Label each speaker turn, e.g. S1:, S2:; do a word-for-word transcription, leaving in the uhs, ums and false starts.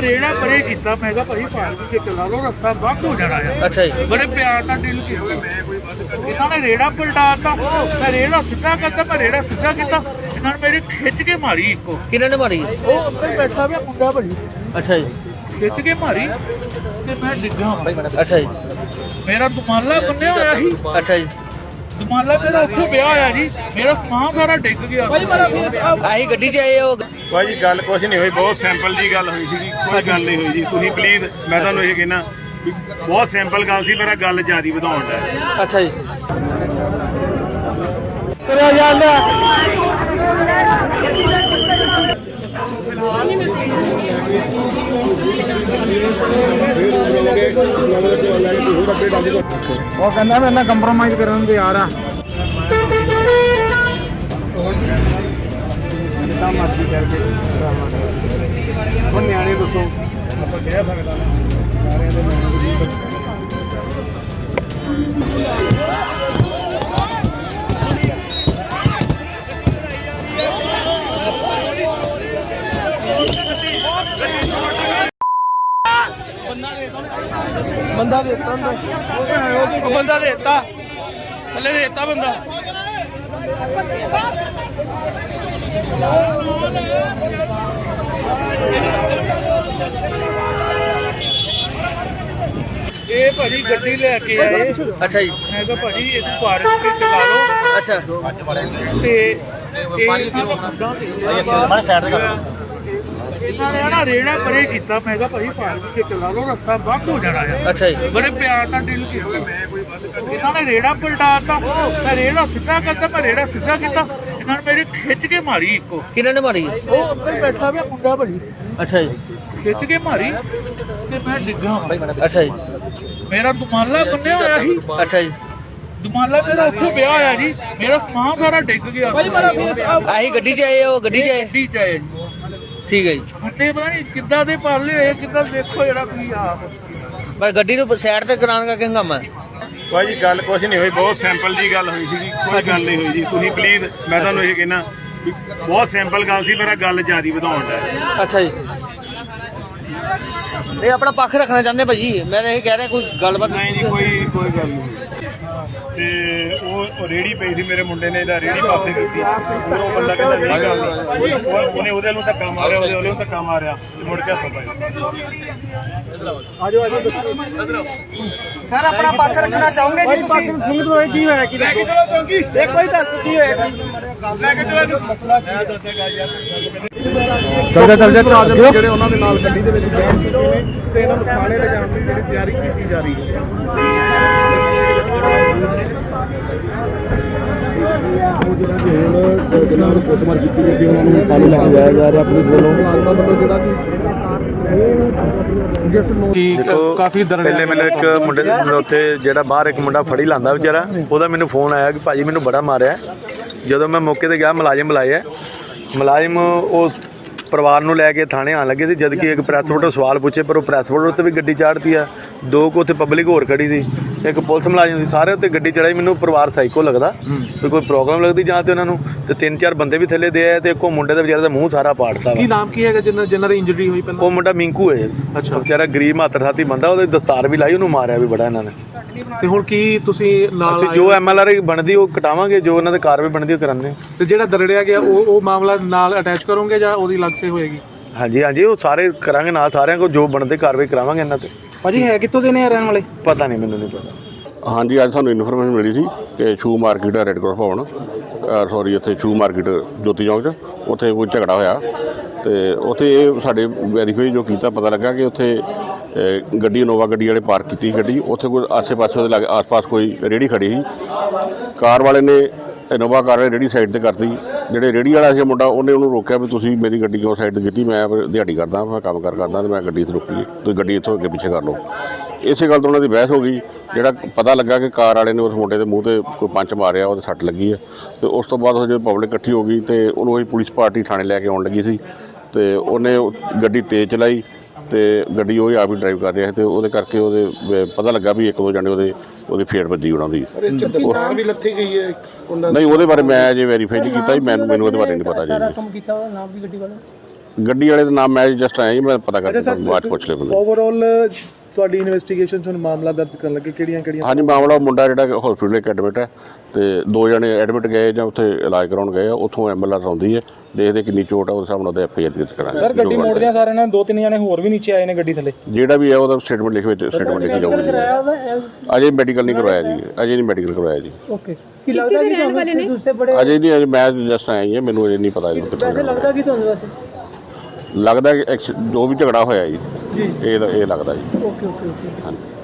S1: रेड़ा परे किया मैं भाई पार्क के चला लो रस्ता बंद हो जाना है। अच्छा जी बड़े प्यार का डील किया इन्होंने रेड़ा पलटाता मैं रेड़ा सीधा करता मैं रेड़ा सीधा किया इन्होंने मेरी खिंच के मारी इको किन्होंने मारी वो अंदर बैठा हुआ मुंडा भाई। अच्छा जी खिंच के मारी ते मैं डिग्गा। अच्छा जी मेरा दुमाला बन्निया होया ही। अच्छा जी दुमाला मेरा उत्थे ब्याह होया जी मेरा समान सारा डिग गया आही गड्डी च आए हो
S2: भाई जी गल कुछ नहीं हुई बहुत सिंपल जी गल हुई सी कोई गल नहीं हुई जी तुसीं प्लीज मैं तुहानूं ये कहना बहुत सिंपल गल सी मेरा गल जारी वधाउण दा।
S1: अच्छा जी
S3: वो कहना मैं ना कंप्रोमाइज करने को तैयार आ मर्जी करके न्याणे दसो आप कह सकता बंदा देता बंदा देता थले देता बंदा
S1: ये भाजी गड्डी लेके आए। अच्छा जी मैं कहा भाजी इस पार्क से चला लो। अच्छा ते इन्होंने ना रेड़ा परे किया मैं कहा भाई पार्क से चला लो रस्ता बंद हो जाना है। अच्छा जी बड़े प्यार का डील किया इन्होंने रेड़ा पलटाता मैं रेड़ा सीधा करता मैं रेड़ा सीधा किया इन्होंने मेरी खिंच के मारी इको किन्होंने मारी वो अंदर बैठा हुआ मुंडा भाजी। अच्छा जी खिंच के मारी ते मैं डिग्गा। अच्छा जी मेरा दुमाला बन्निया होया ही। अच्छा जी दुमाला मेरा उत्थे ब्याह होया जी मेरा समान सारा डिग गया आही गड्डी च आए हो गड्डी च आए गड्डी च आए ठीक है जी मुंडे पता नहीं किद्दां दे पाले होए किद्दां देखो जेड़ा की आ बस गड्डी नूं साइड ते कराने का हंगामा
S2: भाई जी गल कुछ नहीं हुई बहुत सिंपल जी गल हुई सी कोई गल नहीं हुई जी तुसीं प्लीज मैं तुहानूं ये कहना बहुत सिंपल गल सी मेरा गल जारी वधाउण दा।
S1: अच्छा जी ये अपना पक्ष रखना चाहते भाजी मैं ये कह रहा कोई गलबात
S2: नहीं जी कोई कोई गल नहीं ते ਉਹ ਰੇੜੀ ਪਈ ਸੀ ਮੇਰੇ ਮੁੰਡੇ ਨੇ ਇਹਦਾ ਰੇੜੀ ਪਾਸੇ ਕੀਤੀ ਉਹ ਬੰਦਾ ਕਹਿੰਦਾ ਨਹੀਂ ਗੱਲ ਉਹਨੇ ਉਹਦੇ ਨੂੰ ਧੱਕਾ ਮਾਰਿਆ ਉਹਦੇ ਉਹਨੂੰ ਧੱਕਾ ਮਾਰਿਆ ਮੁੜ ਕੇ ਹੱਥ ਪਾਇਆ
S3: ਆਜੋ ਆਜੋ ਸਰ ਆਪਣਾ ਪੱਖ ਰੱਖਣਾ ਚਾਹੋਗੇ ਜੀ ਤੁਸੀਂ ਸਿੰਘ ਤੋਂ ਕੀ ਹੋਇਆ ਕੀ ਲੈ ਕੇ ਚਲੋ ਚੌਂਕੀ ਇੱਕ ਵਾਰੀ ਦੱਸ ਕੀ ਹੋਇਆ ਲੈ ਕੇ ਚਲੋ ਮਸਲਾ ਕੀ ਹੈ ਦੱਸੇਗਾ ਯਾਰ ਚੱਲ ਚੱਲ ਚੱਲ ਜਿਹੜੇ ਉਹਨਾਂ ਦੇ ਨਾਲ ਗੱਡੀ ਦੇ ਵਿੱਚ ਬੈਠ ਚੁੱਕੇ ਨੇ ਤੇ ਇਹਨਾਂ ਨੂੰ ਥਾਣੇ ਲਿਜਾਣ ਦੀ ਜਿਹੜੀ ਤਿਆਰੀ ਕੀਤੀ ਜਾ ਰਹੀ ਹੈ ਜਨਾਬ ਕੁੱਟਮਾਰ ਕੀਤੀ ਜਾਂਦੀ ਉਹਨਾਂ ਨੂੰ ਪਾਣੀ ਲੈ ਕੇ ਜਾਇਆ ਜਾ ਰਿਹਾ ਆਪਣੀ ਕੋਲੋਂ ਜਿਹੜਾ
S2: ਦੇਖੋ ਕਾਫੀ ਪਹਿਲੇ ਮੈਨੂੰ ਇੱਕ ਮੁੰਡੇ ਦੇ ਉੱਥੇ ਜਿਹੜਾ ਬਾਹਰ ਇੱਕ ਮੁੰਡਾ ਫੜੀ ਲਾਂਦਾ ਵਿਚਾਰਾ ਉਹਦਾ ਮੈਨੂੰ ਫੋਨ ਆਇਆ ਕਿ ਭਾਜੀ ਮੈਨੂੰ ਬੜਾ ਮਾਰਿਆ ਜਦੋਂ ਮੈਂ ਮੌਕੇ ਤੇ ਗਿਆ ਮੁਲਾਜ਼ਮ ਬੁਲਾਇਆ ਮੁਲਾਜ਼ਮ ਉਹ ਪਰਿਵਾਰ ਨੂੰ ਲੈ ਕੇ ਥਾਣੇ ਆਉਣ ਲੱਗੇ ਸੀ ਜਦ ਕਿ ਇੱਕ ਪ੍ਰੈਸ ਫੋਟੋ ਸਵਾਲ ਪੁੱਛੇ ਪਰ ਉਹ ਪ੍ਰੈਸ ਫੋਟੋ ਉੱਤੇ ਵੀ ਗੱਡੀ ਚਾੜਤੀ ਆ ਦੋ ਕੁ ਉੱਥੇ ਪਬਲਿਕ ਹੋਰ ਖੜੀ ਸੀ ਇੱਕ ਪੁਲਿਸ ਮੁਲਾਜ਼ਮ ਸੀ ਸਾਰੇ ਉੱਤੇ ਗੱਡੀ ਚੜਾਈ ਮੈਨੂੰ ਪਰਿਵਾਰ ਸਾਈਕੋ ਲੱਗਦਾ ਵੀ ਕੋਈ ਪ੍ਰੋਬਲਮ ਲੱਗਦੀ ਜਾਂ ਤੇ ਉਹਨਾਂ ਨੂੰ ਤੇ ਤਿੰਨ ਚਾਰ ਬੰਦੇ ਵੀ ਥੱਲੇ ਦੇ ਆਏ ਤੇ ਇੱਕੋ ਮੁੰਡੇ ਦਾ ਵਿਚਾਰੇ ਦਾ ਮੂੰਹ ਸਾਰਾ ਪਾੜਤਾ
S3: ਕੀ ਨਾਮ ਕੀ ਹੈਗਾ ਜਿਨ੍ਹਾਂ ਜਿਨ੍ਹਾਂ ਦੀ ਇੰਜਰੀ ਹੋਈ ਪਹਿਲਾਂ
S2: ਉਹ ਮੁੰਡਾ ਮਿੰਕੂ ਹੈ ਅੱਛਾ ਵਿਚਾਰਾ ਗਰੀਬ ਮਾਤਰ ਸਾਥੀ ਬੰਦਾ ਉਹਦੇ ਦਸਤਾਰ ਵੀ ਲਾਈ ਉਹਨੂੰ ਮਾਰਿਆ ਵੀ ਬੜਾ ਇਹਨਾਂ ਨੇ
S3: ਤੇ ਹੁਣ ਕੀ ਤੁਸੀਂ ਨਾਲ
S2: ਜੋ ਐਮ ਐਲ ਆਰ ਬਣਦੀ ਉਹ ਕਟਾਵਾਂਗੇ ਜੋ ਉਹਨਾਂ ਦੇ ਕਾਰਵਾਈ ਬਣਦੀ ਉਹ ਕਰਾਂਗੇ
S3: ਤੇ ਜਿਹੜਾ ਦਰੜਿਆ ਗਿਆ ਉਹ ਉਹ ਮਾਮਲਾ ਨਾਲ ਅਟੈਚ ਕਰੋਗੇ ਜਾਂ ਉਹਦੀ ਅਲੱਗ ਸੇ ਹੋਏਗੀ
S2: ਹਾਂਜੀ ਹਾਂਜੀ ਉਹ ਸਾਰੇ ਕਰਾਂਗੇ ਨਾਲ ਸਾਰਿਆਂ ਕੋਲ ਜੋ ਬਣਦੇ ਕਾਰਵਾਈ ਕਰਾਵਾਂਗੇ ਇਹਨਾਂ ਤੇ
S3: ਭਾਜੀ ਹੈ ਕਿੱਥੋਂ ਦੇ ਨੇ ਰਹਿਣ ਵਾਲੇ
S2: ਪਤਾ ਨਹੀਂ ਮੈਨੂੰ ਨਹੀਂ ਪਤਾ
S4: ਹਾਂਜੀ ਅੱਜ ਸਾਨੂੰ ਇਨਫੋਰਮੇਸ਼ਨ ਮਿਲੀ ਸੀ ਕਿ shoe market red cross Bhavan sorry ਇੱਥੇ ਸ਼ੂ ਮਾਰਕੀਟ ਜੋਤੀ ਚੌਂਕ 'ਚ ਉੱਥੇ ਕੋਈ ਝਗੜਾ ਹੋਇਆ ਤੇ ਉੱਥੇ ਇਹ ਸਾਡੇ ਵੈਰੀਫਾਈ ਜੋ ਕੀਤਾ ਪਤਾ ਲੱਗਾ ਕਿ ਉੱਥੇ ਗੱਡੀ ਇਨੋਵਾ ਗੱਡੀ ਵਾਲੇ ਪਾਰਕ ਕੀਤੀ ਗੱਡੀ ਉੱਥੇ ਕੋਈ ਆਸੇ ਪਾਸੇ ਉਹਦੇ ਲਾਗੇ ਆਸ ਪਾਸ ਕੋਈ ਰੇਹੜੀ ਖੜੀ ਸੀ ਕਾਰ ਵਾਲੇ ਨੇ ਇਨੋਵਾ ਕਾਰ ਰੇਹੜੀ ਸਾਈਡ 'ਤੇ ਕਰਤੀ ਜਿਹੜੇ ਰੇਹੜੀ ਵਾਲਾ ਸੀ ਮੁੰਡਾ ਉਹਨੇ ਉਹਨੂੰ ਰੋਕਿਆ ਵੀ ਤੁਸੀਂ ਮੇਰੀ ਗੱਡੀ ਕਿਉਂ ਸਾਈਡ 'ਤੇ ਕੀਤੀ ਮੈਂ ਦਿਹਾੜੀ ਕਰਦਾ ਮੈਂ ਕੰਮ ਕਾਰ ਕਰਦਾ ਅਤੇ ਮੈਂ ਗੱਡੀ ਇੱਥੇ ਰੋਕੀ ਤੁਸੀਂ ਗੱਡੀ ਇੱਥੋਂ ਅੱਗੇ ਪਿੱਛੇ ਕਰ ਲਓ ਇਸੇ ਗੱਲ ਤੋਂ ਉਹਨਾਂ ਦੀ ਬਹਿਸ ਹੋ ਗਈ ਜਿਹੜਾ ਪਤਾ ਲੱਗਾ ਕਿ ਕਾਰ ਵਾਲੇ ਨੇ ਉਸ ਮੁੰਡੇ ਦੇ ਮੂੰਹ 'ਤੇ ਕੋਈ ਪੰਚ ਮਾਰਿਆ ਉਹਦੇ ਸੱਟ ਲੱਗੀ ਹੈ ਅਤੇ ਉਸ ਤੋਂ ਬਾਅਦ ਜਦੋਂ ਪਬਲਿਕ ਇਕੱਠੀ ਹੋ ਗਈ ਅਤੇ ਉਹਨੂੰ ਉਹੀ ਪੁਲਿਸ ਪਾਰਟੀ ਥਾਣੇ ਲੈ ਕੇ ਆਉਣ ਲੱਗੀ ਸੀ ਅਤੇ ਉਹਨੇ ਗੱਡੀ ਤੇਜ਼ ਚਲਾਈ ਅਤੇ ਗੱਡੀ ਉਹ ਆਪ ਹੀ ਡਰਾਈਵ ਕਰ ਰਿਹਾ ਅਤੇ ਉਹਦੇ ਕਰਕੇ ਉਹਦੇ ਪਤਾ ਲੱਗਾ ਵੀ ਇੱਕ ਦੋ ਜਣੇ ਉਹਦੇ ਉਹਦੀ ਫੇਟ ਵੱਜੀ ਉਹਨਾਂ ਦੀ
S3: ਵੀ ਲੱਥੀ ਗਈ ਹੈ
S4: ਨਹੀਂ ਉਹਦੇ ਬਾਰੇ ਮੈਂ ਅਜੇ ਵੈਰੀਫਾਈ ਨਹੀਂ ਕੀਤਾ ਜੀ ਮੈਨੂੰ ਮੈਨੂੰ ਉਹਦੇ ਬਾਰੇ ਨਹੀਂ ਪਤਾ ਜੀ ਗੱਡੀ ਵਾਲੇ ਦਾ ਨਾਮ ਮੈਂ ਜਸਟ ਆਇਆ ਜੀ, ਮੈਂ ਪਤਾ ਕਰਕੇ ਬਾਅਦ 'ਚ ਪੁੱਛ ਲਿਆ ਮੈਨੂੰ।
S3: ਓਵਰਆਲ ਤੁਹਾਡੀ ਇਨਵੈਸਟੀਗੇਸ਼ਨ 'ਚ ਹੁਣ ਮਾਮਲਾ ਦਰਜ ਕਰਨ ਲੱਗੇ ਕਿਹੜੀਆਂ ਕਿਹੜੀਆਂ
S4: ਹਾਂਜੀ, ਮਾਮਲਾ ਮੁੰਡਾ ਜਿਹੜਾ ਹਸਪੀਟਲ ਇੱਕ ਐਡਮਿਟ ਹੈ ਤੇ ਦੋ ਜਣੇ ਐਡਮਿਟ ਗਏ ਜਾਂ ਉੱਥੇ ਇਲਾਜ ਕਰਾਉਣ ਗਏ ਆ, ਉੱਥੋਂ ਐਂਬੂਲੈਂਸ ਆਉਂਦੀ ਹੈ, ਦੇਖਦੇ ਕਿੰਨੀ ਚੋਟ ਆ ਉਸ ਹਿਸਾਬ ਨਾਲ ਉਹਦੇ ਐਫ ਆਈ ਆਰ ਦਰਜ ਕਰਾਂਗੇ।
S3: ਸਰ ਗੱਡੀ ਮੋੜਦਿਆਂ ਸਾਰਿਆਂ ਨੇ ਦੋ ਤਿੰਨ ਜਣੇ ਹੋਰ ਵੀ ਨੀਚੇ ਆਏ ਨੇ ਗੱਡੀ ਥੱਲੇ,
S4: ਜਿਹੜਾ ਵੀ ਹੈ ਉਹਦਾ ਸਟੇਟਮੈਂਟ ਲਿਖ ਵਿੱਚ ਸਟੇਟਮੈਂਟ ਲਿਖੀ ਜਾਊਗੀ। ਅਜੇ ਮੈਡੀਕਲ ਨਹੀਂ ਕਰਵਾਇਆ ਜੀ, ਅਜੇ ਨਹੀਂ ਮੈਡੀਕਲ ਕਰਵਾਇਆ ਜੀ।
S3: ਓਕੇ ਕੀ ਲੱਗਦਾ ਕਿ ਤੁਹਾਨੂੰ ਦੂਸਰੇ ਬੜੇ
S4: ਅਜੇ ਨਹੀਂ, ਅਜੇ ਮੈਂ ਜਸਟ ਆਇਆ ਹੀ ਹਾਂ, ਮੈਨੂੰ ਅਜੇ ਨਹੀਂ ਪਤਾ ਇਹਨੂੰ ਕਿੱਥੋਂ
S3: ਵੈਸੇ ਲੱਗਦਾ ਕਿ ਤੁਹਾਨੂੰ ਵੈਸੇ
S4: ਲੱਗਦਾ ਕਿ ਐਕਸ- ਜੋ ਵੀ ਝਗੜਾ ਹੋਇਆ ਜੀ
S3: ਜੀ
S4: ਇਹ ਇਹ ਲੱਗਦਾ ਜੀ।
S3: ਓਕੇ ਓਕੇ ਓਕੇ
S4: ਹਾਂਜੀ।